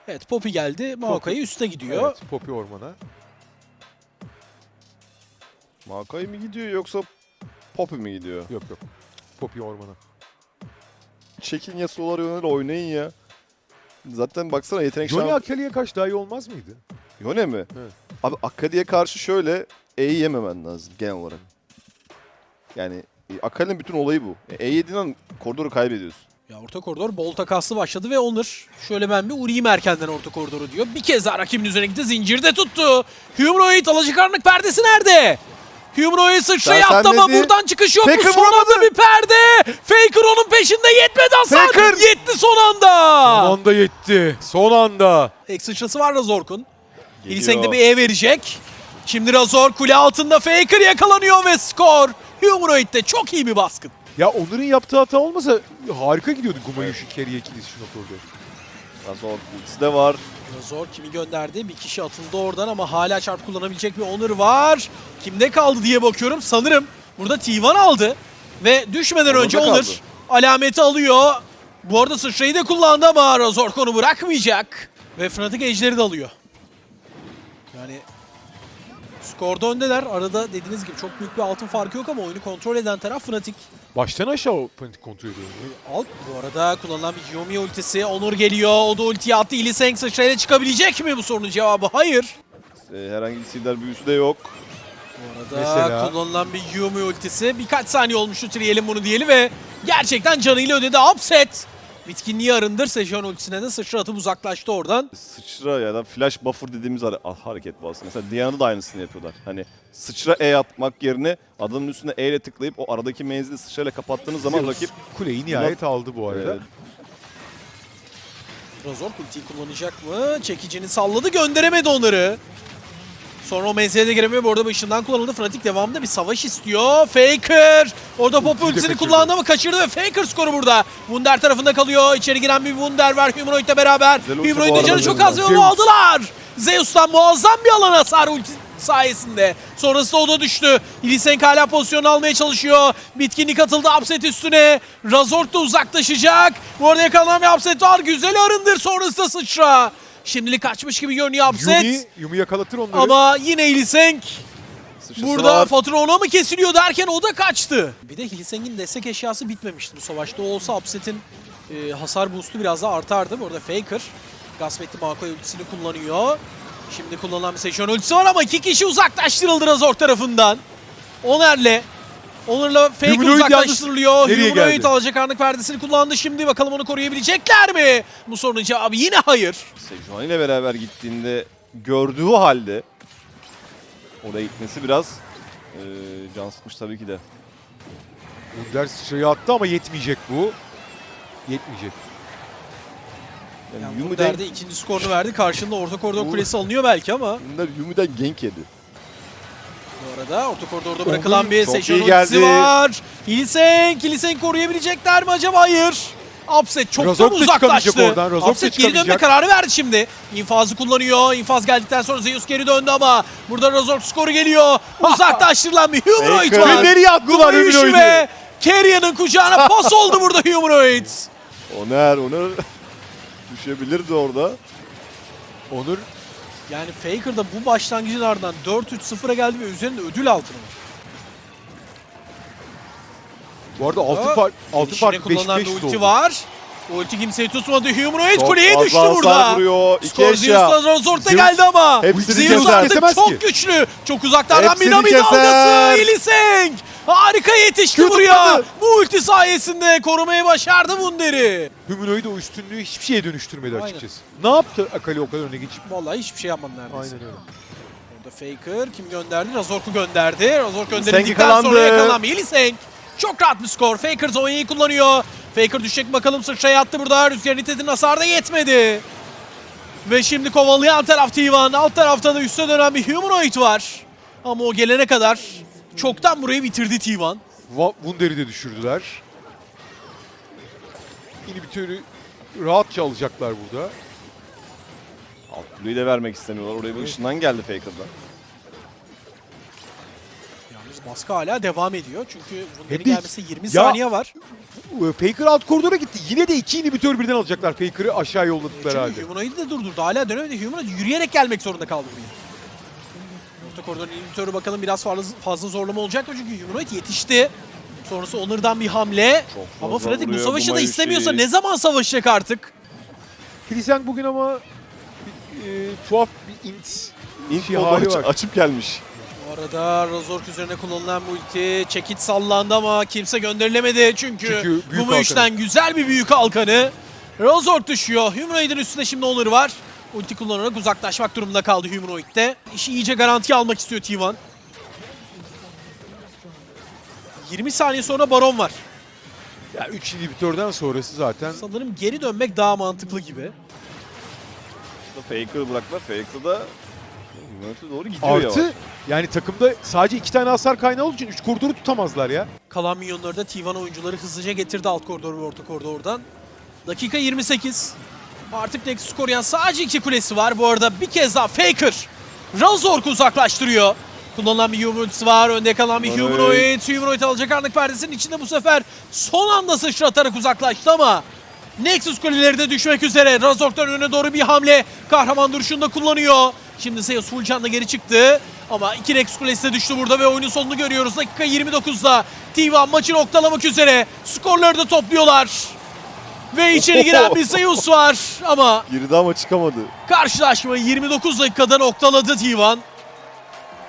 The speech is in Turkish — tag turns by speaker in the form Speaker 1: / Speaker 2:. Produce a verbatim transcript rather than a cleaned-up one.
Speaker 1: Evet, Poppy geldi. Maokai'ye üste gidiyor.
Speaker 2: Evet, Poppy ormana.
Speaker 3: Maokai mi gidiyor yoksa Poppy mi gidiyor?
Speaker 2: Yok yok. Poppy ormana.
Speaker 3: Çekin Yasuo'lar yönel oynayın ya. Zaten baksana yetenek
Speaker 2: Johnny
Speaker 3: şan...
Speaker 2: Akali'ye karşı daha iyi olmaz mıydı?
Speaker 3: Yone mi?
Speaker 2: Evet.
Speaker 3: Abi Akali'ye karşı şöyle E'yi yememen lazım genel olarak. Yani e, Akali'nin bütün olayı bu. E yediğin an koridoru kaybediyorsun.
Speaker 1: Ya orta koridor bol takaslı başladı ve Onur şöyle ben bir uğrayayım erkenden orta koridoru diyor. Bir kez daha rakibin üzerine gitti. Zincirde tuttu. Humanoid alacakaranlık perdesi nerede? Humanoid sıçrayı
Speaker 3: Sen- sen
Speaker 1: attı ama
Speaker 3: dedi.
Speaker 1: buradan çıkış yok mu?
Speaker 3: Faker
Speaker 1: Son anda
Speaker 3: vuramadı.
Speaker 1: bir perde. Faker onun peşinde, yetmedi hasar.
Speaker 2: Faker.
Speaker 1: Yetti son anda.
Speaker 2: Son anda yetti. Son anda.
Speaker 1: Ek sıçrası var Razork'un.
Speaker 3: Geliyor.
Speaker 1: İlseng de bir E verecek. Şimdi Razor kule altında, Faker yakalanıyor ve skor. Humanoid'de çok iyi bir baskın.
Speaker 2: Ya Onur'un yaptığı hata olmasa harika gidiyordu Gumayushi carry'e ikilisi şu noktada.
Speaker 3: Razor ultisi de var.
Speaker 1: Razor kimi gönderdi? Bir kişi atıldı oradan ama hala çarp kullanabilecek bir Onur var. Kimde kaldı diye bakıyorum. Sanırım burada T bir aldı. Ve düşmeden
Speaker 3: Onur'da
Speaker 1: önce
Speaker 3: kaldı.
Speaker 1: Onur alameti alıyor. Bu arada sıçrayı da kullandı ama Razor konu bırakmayacak. Ve Fnatic Ejder'i de alıyor. Yani skorda öndeler. Arada dediğiniz gibi çok büyük bir altın farkı yok ama oyunu kontrol eden taraf Fnatic.
Speaker 2: Baştan aşağı o Fnatic kontrol ediyor.
Speaker 1: Alt bu arada kullanılan bir Yomi ultisi. Onur geliyor. O da ultiyi attı. Illiseng sıçrayla çıkabilecek mi bu sorunun cevabı? Hayır.
Speaker 3: E, herhangi bir silver büyüsü de yok.
Speaker 1: Bu arada
Speaker 2: Mesela?
Speaker 1: kullanılan bir Yumi ultisi. Birkaç saniye olmuştu Triel'in bunu diyeli ve gerçekten canıyla ödedi. Upset. Bitkinliği arındır. Sejon ultisine de sıçra atıp uzaklaştı oradan.
Speaker 3: Sıçra ya da flash buffer dediğimiz hare- ah, hareket bu aslında. Mesela Diana'da da aynısını yapıyorlar. Hani sıçra E atmak yerine adamın üstüne E ile tıklayıp o aradaki menzili sıçrayla kapattığınız zaman rakip
Speaker 2: Kuleyi nihayet aldı bu arada.
Speaker 3: e,
Speaker 1: Razor ultiyi kullanacak mı? Çekicini salladı. Gönderemedi onları. Sonra o menzile de giremiyor. Bu arada bu ışından kullanıldı. Fnatic devamında bir savaş istiyor. Faker. Orada Pop
Speaker 2: Ultiyi de
Speaker 1: ultisini
Speaker 2: kaçırdı.
Speaker 1: kullandı ama kaçırdı ve Faker skoru burada. Wunder tarafında kalıyor. İçeri giren bir Wunder var Humanoid'le beraber.
Speaker 3: Güzel ulti bu
Speaker 1: Humanoid'in
Speaker 3: arada
Speaker 1: canı çok
Speaker 3: Zeus.
Speaker 1: az ve onu aldılar. Zeus'tan muazzam bir alan hasar ulti sayesinde. Sonrasında o da düştü. Illiseng hala pozisyonu almaya çalışıyor. Bitkinlik atıldı Upset üstüne. Razor da uzaklaşacak. Bu arada yakalanan bir Upset var. Güzel arındır sonrasında sıçra. Şimdilik kaçmış gibi görünüyor Upset.
Speaker 2: Yumi, Yumi yakalatır onları.
Speaker 1: Ama yine Illiseng
Speaker 3: sıçrası
Speaker 1: burada
Speaker 3: var.
Speaker 1: fatura ona mı kesiliyor derken o da kaçtı. Bir de Illiseng'in destek eşyası bitmemişti bu savaşta. O olsa Upset'in e, hasar boost'u biraz daha artardı. Bu arada Faker gasp etti, Maokai ultisini kullanıyor. Şimdi kullanılan bir Sejon ultisi var ama iki kişi uzaklaştırıldı Razor tarafından. Oner'le Onur'la Faker
Speaker 2: Humanoid
Speaker 1: uzaklaştırılıyor.
Speaker 2: yalnız nereye
Speaker 1: Humanoid
Speaker 2: geldi?
Speaker 1: alacakaranlık perdesini kullandı şimdi. Bakalım onu koruyabilecekler mi? Bu sorunun cevabı yine hayır.
Speaker 3: Sejuani ile beraber gittiğinde gördüğü halde oraya gitmesi biraz e, can sıkmış tabii ki de.
Speaker 2: Wunder sıçrayı attı ama yetmeyecek bu. Yetmeyecek.
Speaker 3: Yani
Speaker 1: Yani
Speaker 3: Yumi'den,
Speaker 1: Wunder'de ikinci skorunu verdi. Karşında orta koridor
Speaker 3: Bu-
Speaker 1: kulesi alınıyor belki ama.
Speaker 3: Yumi'den, Yumi'den gank yedi.
Speaker 1: Bu arada orta koridorda bırakılan bir
Speaker 3: çok
Speaker 1: Sejon
Speaker 3: iyi
Speaker 1: ultisi
Speaker 3: geldi.
Speaker 1: var. Illiseng, Illiseng koruyabilecekler mi acaba? Hayır. Upset çoktan
Speaker 2: Razork da çıkamayacak
Speaker 1: uzaklaştı.
Speaker 2: oradan, Razork da
Speaker 1: Upset geri dönme
Speaker 2: çıkamayacak.
Speaker 1: kararı verdi şimdi. İnfazı kullanıyor. İnfaz geldikten sonra Zeus geri döndü ama burada Razork skoru geliyor. Uzaklaştırılan bir Humanoid
Speaker 3: Faker.
Speaker 1: var.
Speaker 2: Ve nereye attılar
Speaker 1: Gumayushi
Speaker 2: Humanoid'i?
Speaker 1: ve Kerya'nın kucağına pas oldu burada Humanoid.
Speaker 3: Oner, Oner düşebilirdi orada.
Speaker 2: Onur
Speaker 1: Yani Faker da bu başlangıcın ardından dört üç sıfıra geldi ve üzerinde ödül altını var.
Speaker 2: bu arada altın,
Speaker 1: Aa,
Speaker 2: fark, altın
Speaker 1: İçine
Speaker 2: farkı beş
Speaker 1: kullanılan
Speaker 2: beş
Speaker 1: bir
Speaker 2: oldu.
Speaker 1: ulti var. Ulti kimseyi tutmadı. Humanoid
Speaker 3: Çok
Speaker 1: kuleye
Speaker 3: fazla
Speaker 1: düştü
Speaker 3: hasar
Speaker 1: burada.
Speaker 3: vuruyor. İki
Speaker 1: Skor
Speaker 3: eşya.
Speaker 1: Zeus'la Razork'ta
Speaker 2: Zeus
Speaker 1: geldi ama.
Speaker 3: hepsini
Speaker 1: Zeus
Speaker 3: keser.
Speaker 1: artık
Speaker 2: Kesemez
Speaker 1: çok
Speaker 2: ki.
Speaker 1: güçlü. Çok uzaklardan
Speaker 3: Hepsini
Speaker 1: Minami
Speaker 3: keser.
Speaker 1: dalgası. Illiseng harika yetişti
Speaker 2: Kötü
Speaker 1: buraya.
Speaker 2: tutmadı.
Speaker 1: Bu ulti sayesinde korumayı başardı Wunder'i.
Speaker 2: Humanoid o üstünlüğü hiçbir şeye dönüştürmedi
Speaker 1: Aynen.
Speaker 2: açıkçası. Ne yaptı Akali o kadar öne geçip?
Speaker 1: Vallahi hiçbir şey yapmadı neredeyse.
Speaker 2: Aynen öyle.
Speaker 1: Orada Faker kim gönderdi? Razork'u gönderdi. Razork
Speaker 3: Illiseng
Speaker 1: gönderildikten
Speaker 3: yakalandı.
Speaker 1: sonra yakalanan bir Illiseng. Çok rahat bir skor. Faker Zonya'yı kullanıyor. Faker düşecek bakalım, sıçraya attı burada. Rüzgar nitetin hasarı da yetmedi. Ve şimdi kovalayan taraf T bir. Alt tarafta da üste dönen bir Humanoid var. Ama o gelene kadar çoktan burayı bitirdi T bir.
Speaker 2: Va- Wunder'i de düşürdüler. İnhibitörü rahatça alacaklar burada.
Speaker 3: Alt kuleyi de vermek istemiyorlar. Oraya bir ışından geldi Faker'dan.
Speaker 1: Yalnız baskı hala devam ediyor. Çünkü Wunder'in
Speaker 2: Hep de-
Speaker 1: gelmesi yirmi
Speaker 2: Ya-
Speaker 1: saniye var.
Speaker 2: Faker alt koridora gitti. Yine de iki inhibitör birden alacaklar. Faker'ı aşağı yolladıkları halde.
Speaker 1: Çünkü Humanoid'i de durdurdu. Hala dönemedi. Humanoid yürüyerek gelmek zorunda kaldı buraya. Orta koridorun inhibitörü bakalım biraz fazla, fazla zorlama olacak mı? Çünkü Humanoid yetişti. Sonrası Onur'dan bir hamle.
Speaker 3: Çok
Speaker 1: Ama
Speaker 3: fazla
Speaker 1: Fnatic bu
Speaker 3: vuruyor
Speaker 1: savaşı da
Speaker 3: Gumayushi.
Speaker 1: istemiyorsa ne zaman savaşacak artık?
Speaker 2: Hylissang bugün ama bir, e, tuhaf bir int
Speaker 3: İlk
Speaker 2: şey
Speaker 3: bomba
Speaker 2: hali
Speaker 3: aç-
Speaker 2: var.
Speaker 3: açıp gelmiş.
Speaker 1: Bu arada Razork üzerine kullanılan multi. Çekit sallandı ama kimse gönderilemedi. Çünkü,
Speaker 2: Çünkü büyük
Speaker 1: Gumayushi'den güzel bir büyük halkanı. Razork düşüyor. Humanoid'in üstünde şimdi Onur var. Ulti kullanarak uzaklaşmak durumunda kaldı Humanoid'de. İşi iyice garantiye almak istiyor T bir. yirmi saniye sonra Baron var.
Speaker 2: Ya üç inhibitörden sonrası zaten
Speaker 1: Sanırım geri dönmek daha mantıklı gibi.
Speaker 3: Faker'ı bıraktılar. Faker da Humanoid'e doğru gidiyor
Speaker 2: artı
Speaker 3: yavaş.
Speaker 2: yani takımda sadece iki tane hasar kaynağı olduğu için üç koridoru tutamazlar ya.
Speaker 1: Kalan milyonları da T bir oyuncuları hızlıca getirdi alt koridor ve orta koridordan. Dakika yirmi sekiz. Artık Nexus koruyan sadece iki kulesi var. Bu arada bir kez daha Faker Razork'u uzaklaştırıyor. Kullanılan bir Humanoid var. Önde kalan bir
Speaker 3: Humanoid.
Speaker 1: Humanoid. Humanoid alacak anlık perdesinin içinde bu sefer son anda sıçratarak uzaklaştı ama Nexus kuleleri de düşmek üzere. Razork'tan öne doğru bir hamle. Kahraman duruşunu da kullanıyor. Şimdi Zeus full canla geri çıktı. Ama iki Nexus kulesi de düştü burada ve oyunun sonunu görüyoruz. Dakika yirmi dokuzda T bir maçı noktalamak üzere. Skorları da topluyorlar. Ve içeri giren bir Zeus var ama
Speaker 3: Girdi ama çıkamadı.
Speaker 1: karşılaşmayı yirmi dokuz dakikada noktaladı T bir.